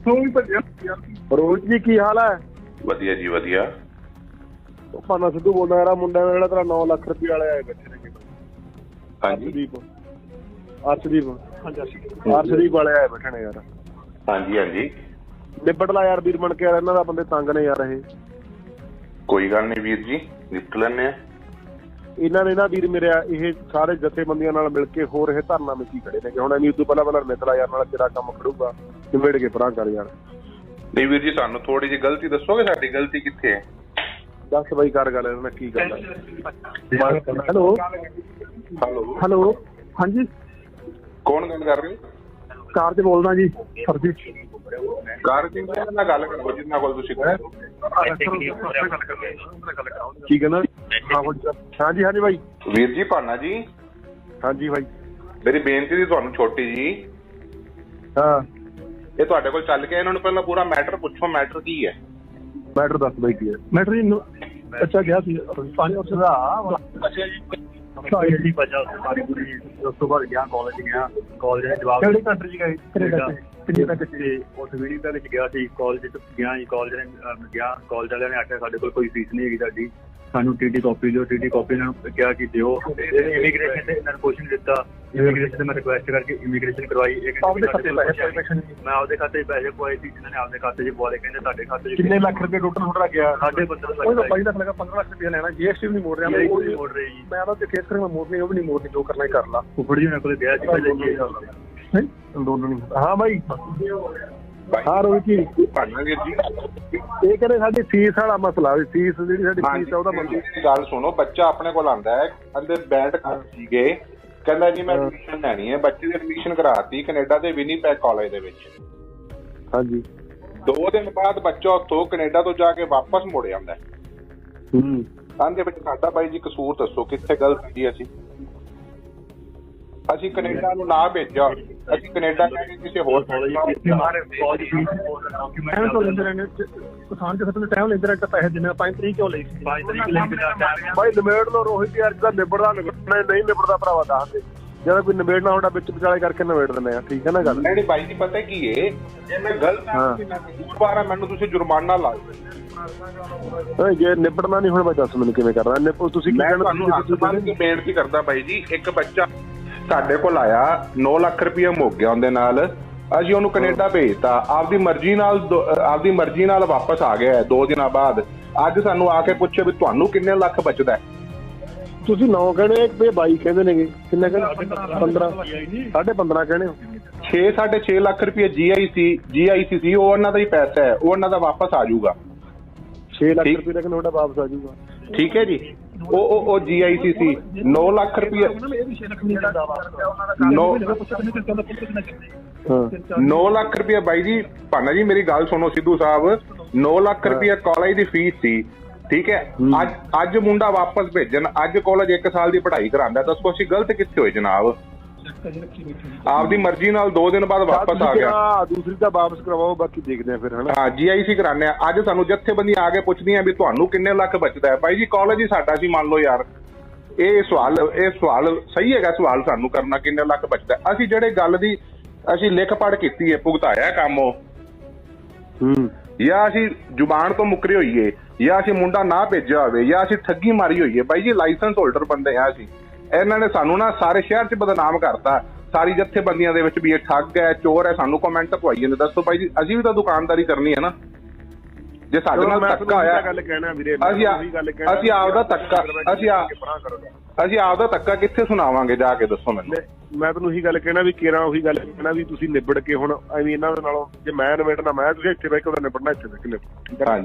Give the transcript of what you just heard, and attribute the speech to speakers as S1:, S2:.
S1: ਰੋਜ਼ ਜੀ ਕੀ ਹਾਲ ਹੈ?
S2: ਵਧੀਆ ਜੀ ਵਧੀਆ।
S1: ਭਾਨਾ ਸਿੱਧੂ ਬੋਲਦਾ ਯਾਰ, ਮੁੰਡਾ ਜਿਹੜਾ ਤੇਰਾ 9 ਲੱਖ ਰੁਪਏ ਵਾਲੇ ਆਏ ਬੈਠੇ ਨੇ।
S2: ਹਾਂਜੀ
S1: ਅਰਸ਼ਦੀਪ ਵਾਲੇ ਆਏ ਬੈਠੇ ਨੇ ਯਾਰ।
S2: ਹਾਂਜੀ ਹਾਂਜੀ
S1: ਨਿਬੜ ਲਾ ਯਾਰ ਵੀਰ ਬਣ ਕੇ ਯਾਰ, ਇਹਨਾਂ ਦਾ ਬੰਦੇ ਤੰਗ ਨੇ ਯਾਰ। ਇਹ
S2: ਕੋਈ ਗੱਲ ਨਹੀਂ ਵੀਰ ਜੀ, ਨਿਪਟ ਲੈਂਦੇ ਆ।
S1: ਇਹਨਾਂ ਨੇ ਨਾ ਵੀਰ ਮੇਰੇ ਇਹ ਸਾਰੇ ਜਥੇਬੰਦੀਆਂ ਨਾਲ ਮਿਲ ਕੇ ਹੋਰ ਇਹ ਧਰਨਾ ਵਿੱਚ ਹੀ ਖੜੇ ਨੇ। ਹੁਣ ਐਵੇਂ ਉਦੋਂ ਪਹਿਲਾਂ ਨਿਕਲਾ ਯਾਰ, ਨਾਲ ਤੇਰਾ ਕੰਮ ਖੜੂਗਾ, ਨਿਬੇੜ ਕੇ ਪਰਾਂ ਕਰ ਯਾਰ।
S2: ਨਹੀਂ ਵੀਰ ਜੀ, ਸਾਨੂੰ ਥੋੜੀ ਜਿਹੀ ਗਲਤੀ ਦੱਸੋਗੇ, ਸਾਡੀ ਗਲਤੀ ਕਿੱਥੇ ਹੈ?
S1: ਦੱਸ ਬਾਈ, ਕਰ ਗੱਲ ਇਹਨਾਂ ਨਾਲ ਕੀ ਗੱਲ ਹੈ। ਹੈਲੋ ਹਾਂਜੀ,
S2: ਕੌਣ ਗੱਲ ਕਰ ਰਹੇ ਹੋ?
S1: ਕਾਰ ਚ ਬੋਲਦਾ ਜੀ ਸਰ ਜੀ।
S2: ਕਾਰ ਸਿੰਘ ਨਾਲ ਗੱਲ ਕਰੋ ਜਿੰਨਾ ਕੋਲ ਤੁਸੀਂ
S1: ਕੀ ਕਹਿੰਦਾ? ਹਾਂਜੀ ਹਾਂਜੀ ਬਾਈ।
S2: ਵੀਰ ਜੀ ਭਾਨਾ ਜੀ।
S1: ਹਾਂਜੀ ਬਾਈ,
S2: ਮੇਰੀ ਬੇਨਤੀ ਸੀ ਤੁਹਾਨੂੰ ਛੋਟੀ ਜੀ।
S1: ਹਾਂ, ਇਹ
S2: ਤੁਹਾਡੇ ਕੋਲ ਚੱਲ ਕੇ ਇਹਨਾਂ ਨੂੰ ਪਹਿਲਾਂ ਪੂਰਾ ਮੈਟਰ ਪੁੱਛੋ, ਮੈਟਰ ਕੀ ਹੈ?
S1: ਮੈਟਰ ਦੱਸ ਬਾਈ ਕੀ ਹੈ? ਮੈਟਰ ਜੀ ਅੱਛਾ ਗਿਆ ਸੀ ਪਾਣੀ ਉਸ ਦਾ। ਅੱਛਾ ਜੀ, ਜੀ ਬਚਾ ਉਸ ਤੋਂ ਬਾਅਦ ਗਿਆ ਕਾਲਜ ਗਿਆ। ਕਾਲਜ ਦੇ ਜਵਾਬ ਕਿਹੜੀ ਕੰਟਰੀ ਚ ਗਏ? ਕੈਨੇਡਾ ਚ। ਉਸ ਵੀਡੀਓ ਦੇ ਵਿੱਚ ਗਿਆ ਸੀ, ਕਾਲਜ ਚ ਗਿਆ ਜੀ। ਕਾਲਜ ਨੇ ਗਿਆ, ਕਾਲਜ ਵਾਲਿਆਂ ਨੇ ਆਖਿਆ ਸਾਡੇ ਕੋਲ ਕੋਈ ਫੀਸ ਨਹੀਂ ਹੈਗੀ ਸਾਡੀ, ਸਾਨੂੰ TT ਕਾਪੀ ਦਿਓ। TT ਕਾਪੀ ਇਹਨਾਂ ਨੂੰ ਕਿਹਾ ਕਿ ਦਿਓ। ਇਮੀਗ੍ਰੇਸ਼ਨ ਤੇ ਇਹਨਾਂ ਨੂੰ ਕੁਛ ਨਹੀਂ ਦਿੱਤਾ। ਇਮੀਗ੍ਰੇਸ਼ਨ ਤੇ ਮੈਂ ਰਿਕੁਐਸਟ ਕਰਕੇ ਇਮੀਗ੍ਰੇਸ਼ਨ ਕਰਵਾਈ। ਮੈਂ ਆਪਦੇ ਖਾਤੇ 'ਚ ਪੈਸੇ ਪਵਾਏ ਸੀ, ਇਹਨਾਂ ਨੇ ਆਪਦੇ ਖਾਤੇ 'ਚ ਪਵਾ ਲਏ। ਕਹਿੰਦੇ ਤੁਹਾਡੇ ਖਾਤੇ 'ਚ ਕਿੰਨੇ ਲੱਖ ਰੁਪਏ ਟੋਟਲ ਤੁਹਾਡਾ ਗਿਆ? 15.5 ਲੱਖ। 15 ਲੱਖ ਰੁਪਏ ਲੈਣਾ, GST ਵੀ ਨਹੀਂ ਮੋੜ ਰਿਹਾ। ਮੋੜ ਰਹੀ ਜੀ। ਮੈਂ ਤਾਂ ਕੇਸ ਕਰਾਂਗਾ, ਮੋੜਨੀ ਉਹ ਵੀ ਨਹੀਂ ਮੋੜਨੀ, ਜੋ ਕਰਨਾ ਹੀ ਕਰ ਲਾ। ਫੁੱਫੜ ਜੀ ਮੇਰੇ ਕੋਲ ਗਿਆ ਸੀ ਪਹਿਲੇ ਅੰਦੋਲਨ। ਹਾਂ ਬਾਈ। ਹਾਂ ਰੋਹਿਤ ਜੀ।
S2: ਭਾਨਾ ਵੀਰ ਜੀ,
S1: ਇਹ ਕਹਿੰਦੇ ਸਾਡੀ ਫੀਸ ਵਾਲਾ ਮਸਲਾ, ਫੀਸ ਜਿਹੜੀ ਸਾਡੀ ਫੀਸ ਆ ਉਹਦਾ ਮਸਲਾ।
S2: ਗੱਲ ਸੁਣੋ, ਬੱਚਾ ਆਪਣੇ ਕੋਲ ਆਉਂਦਾ ਹੈ, ਅੰਦਰ ਬੈਠ ਕਰ ਸੀਗੇ, ਕਹਿੰਦਾ ਜੀ ਮੈਂ ਐਡਮਿਸ਼ਨ ਲੈਣੀ ਹੈ। ਬੱਚੇ ਦੀ ਐਡਮਿਸ਼ਨ ਕਰਾਤੀ ਕੈਨੇਡਾ ਦੇ ਵਿਨੀਪੈਗ ਕਾਲਜ ਦੇ ਵਿੱਚ।
S1: ਹਾਂਜੀ,
S2: 2 ਦਿਨ ਬਾਅਦ ਬੱਚਾ ਉੱਥੋਂ ਕੈਨੇਡਾ ਤੋਂ ਜਾ ਕੇ ਵਾਪਸ ਮੁੜ ਜਾਂਦਾ। ਦੇ ਵਿੱਚ ਸਾਡਾ ਬਾਈ ਜੀ ਕਸੂਰ ਦੱਸੋ, ਕਿੱਥੇ ਗਲਤ ਸੀ? ਅਸੀਂ ਕੈਨੇਡਾ ਨੂੰ ਨਾ ਭੇਜਿਆ, ਅਸੀਂ ਕੈਨੇਡਾ ਕਿਸੇ ਹੋਰ
S1: ਪੈਸੇ ਦਿੰਦੇ। 5 ਤਰੀਕ ਕਿਉਂ ਲਈ ਸੀ? 5 ਤਰੀਕ ਬਾਈ ਨਿਬੇੜ ਲੋ ਰੋਹਿਤ ਯਾਰ, ਜਿਹਦਾ ਨਿਬੜਦਾ ਨਹੀਂ ਨਿਬੜਦਾ ਭਰਾਵਾ ਦੱਸ ਦੇ। ਜਦੋਂ ਕੋਈ ਨਿਬੇੜਨਾ ਹੁੰਦਾ ਵਿੱਚ ਵਿਚਾਲੇ ਕਰਕੇ ਨਿਬੇੜ ਦਿੰਦੇ ਆ, ਠੀਕ ਹੈ ਨਾ ਗੱਲ?
S2: ਨਹੀਂ ਬਾਈ ਜੀ, ਪਤਾ ਕੀ ਹੈ, ਜੇ ਮੈਂ ਗਲਤ ਮੈਨੂੰ ਤੁਸੀਂ ਜੁਰਮਾਨਾ ਲਾ ਦਿਓ।
S1: ਜੇ ਨਿਬੜਨਾ ਨਹੀਂ ਹੁਣ ਬਾਈ ਦੱਸ ਮੈਨੂੰ ਕਿਵੇਂ ਕਰਨਾ? ਤੁਸੀਂ
S2: ਬੇਨਤੀ ਕਰਦਾ ਬਾਈ ਜੀ, ਇੱਕ ਬੱਚਾ ਸਾਡੇ ਕੋਲ ਆਇਆ, 9 ਲੱਖ ਰੁਪਇਆ ਮੁੱਕ ਗਿਆ ਉਹਦੇ ਨਾਲ। ਅਸੀਂ ਉਹਨੂੰ ਕੈਨੇਡਾ ਭੇਜਤਾ, ਆਪਦੀ ਮਰਜ਼ੀ ਨਾਲ ਵਾਪਸ ਆ ਗਿਆ 2 ਦਿਨਾਂ ਬਾਅਦ। ਅੱਜ ਸਾਨੂੰ ਆ ਕੇ ਪੁੱਛੇ ਵੀ ਤੁਹਾਨੂੰ ਕਿੰਨੇ ਲੱਖ ਬਚਦਾ? ਤੁਸੀਂ 9 ਕਹਿੰਦੇ, 22 ਕਹਿੰਦੇ ਨੇਗੇ। ਕਿੰਨੇ ਕਹਿੰਦੇ? 15 15.5 ਕਹਿੰਦੇ ਹੋ। 6.5 ਲੱਖ ਰੁਪਇਆ GIC ਸੀ, ਉਹ ਉਹਨਾਂ ਦਾ ਹੀ ਪੈਸਾ ਹੈ, ਉਹ ਉਹਨਾਂ ਦਾ ਵਾਪਸ ਆ ਜਾਊਗਾ। 6 ਲੱਖ ਰੁਪਏ ਦਾ ਤੁਹਾਡਾ ਵਾਪਸ ਆ ਜਾਊਗਾ, ਠੀਕ ਹੈ ਜੀ। ਉਹ GIC ਸੀ 9 ਲੱਖ ਰੁਪਏ। 9 ਲੱਖ ਰੁਪਇਆ ਬਾਈ ਜੀ। ਭਾਨਾ ਜੀ ਮੇਰੀ ਗੱਲ ਸੁਣੋ ਸਿੱਧੂ ਸਾਹਿਬ, 9 ਲੱਖ ਰੁਪਇਆ ਕਾਲਜ ਦੀ ਫੀਸ ਸੀ, ਠੀਕ ਹੈ। ਅੱਜ ਮੁੰਡਾ ਵਾਪਸ ਭੇਜਣ, ਅੱਜ ਕਾਲਜ 1 ਸਾਲ ਦੀ ਪੜ੍ਹਾਈ ਕਰਾਉਂਦਾ। ਦੱਸੋ ਅਸੀਂ ਗਲਤ ਕਿੱਥੇ ਹੋਏ ਜਨਾਬ? ਆਪਦੀ ਮਰਜ਼ੀ ਨਾਲ 2 ਦਿਨ ਬਾਅਦ ਵਾਪਸ ਆ ਗਿਆ। ਦੂਸਰੀ ਤਾਂ ਵਾਪਸ ਕਰਵਾਓ, ਬਾਕੀ ਦੇਖਦੇ ਆ ਫਿਰ, ਹਨਾ? ਹਾਂ, GIC ਕਰਾਉਂਦੇ ਆ। ਅੱਜ ਸਾਨੂੰ ਜਥੇਬੰਦੀਆਂ ਆ ਕੇ ਪੁੱਛਦੀਆਂ ਵੀ ਤੁਹਾਨੂੰ ਕਿੰਨੇ ਲੱਖ ਬਚਦਾ ਹੈ? ਬਾਈ ਜੀ ਕਾਲਜ ਹੀ ਸਾਡਾ ਸੀ, ਮੰਨ ਲਓ ਯਾਰ। ਇਹ ਸਵਾਲ ਸਹੀ ਹੈਗਾ? ਸਵਾਲ ਸਾਨੂੰ ਕਰਨਾ ਕਿੰਨੇ ਲੱਖ ਬਚਦਾ? ਅਸੀਂ ਜਿਹੜੇ ਗੱਲ ਦੀ ਅਸੀਂ ਲਿਖ ਪੜ੍ਹ ਕੀਤੀ ਹੈ, ਭੁਗਤਾਇਆ ਕੰਮ ਉਹ, ਜਾਂ ਅਸੀਂ ਜ਼ੁਬਾਨ ਤੋਂ ਮੁੱਕਰੇ ਹੋਈਏ, ਜਾਂ ਅਸੀਂ ਮੁੰਡਾ ਨਾ ਭੇਜਿਆ ਹੋਵੇ, ਜਾਂ ਅਸੀਂ ਠੱਗੀ ਮਾਰੀ ਹੋਈਏ। ਬਾਈ ਜੀ ਲਾਇਸੈਂਸ ਹੋਲਡਰ ਬੰਦੇ ਆ ਅਸੀਂ। ਇਹਨਾਂ ਨੇ ਸਾਨੂੰ ਨਾ ਸਾਰੇ ਸ਼ਹਿਰ 'ਚ ਬਦਨਾਮ ਕਰਤਾ, ਸਾਰੀ ਜਥੇਬੰਦੀਆਂ ਦੇ ਵਿੱਚ ਵੀ ਇਹ ਠੱਗ ਹੈ, ਚੋਰ ਹੈ। ਸਾਨੂੰ ਕਮੈਂਟ ਪਵਾਈ ਜਾਂਦੇ। ਦੱਸੋ ਬਾਈ ਜੀ, ਅਸੀਂ ਵੀ ਤਾਂ ਦੁਕਾਨਦਾਰੀ ਕਰਨੀ ਹੈ ਨਾ। ਜੇ ਸਾਡੇ ਨਾਲ ਧੱਕਾ ਹੋਇਆ, ਅਸੀਂ ਆਪਦਾ ਧੱਕਾ ਕਿੱਥੇ ਸੁਣਾਵਾਂਗੇ ਜਾ ਕੇ? ਦੱਸੋ ਮੈਨੂੰ। ਮੈਂ ਤੁਹਾਨੂੰ ਉਹੀ ਗੱਲ ਕਹਿਣਾ ਵੀ ਕੇਰਾਂ ਉਹੀ ਗੱਲ ਕਹਿਣਾ ਵੀ ਤੁਸੀਂ ਨਿਬੜ ਕੇ ਹੁਣ ਐਵੇਂ ਇਹਨਾਂ ਦੇ ਨਾਲੋਂ, ਜੇ ਮੈਂ ਨਿਬੜਨਾ ਮੈਂ, ਤੁਸੀਂ ਇੱਥੇ ਬਹਿ ਕੇ ਉਹਦਾ ਨਿਬੜਨਾ ਇੱਥੇ ਬਹਿ ਕੇ ਨਿਬੜ।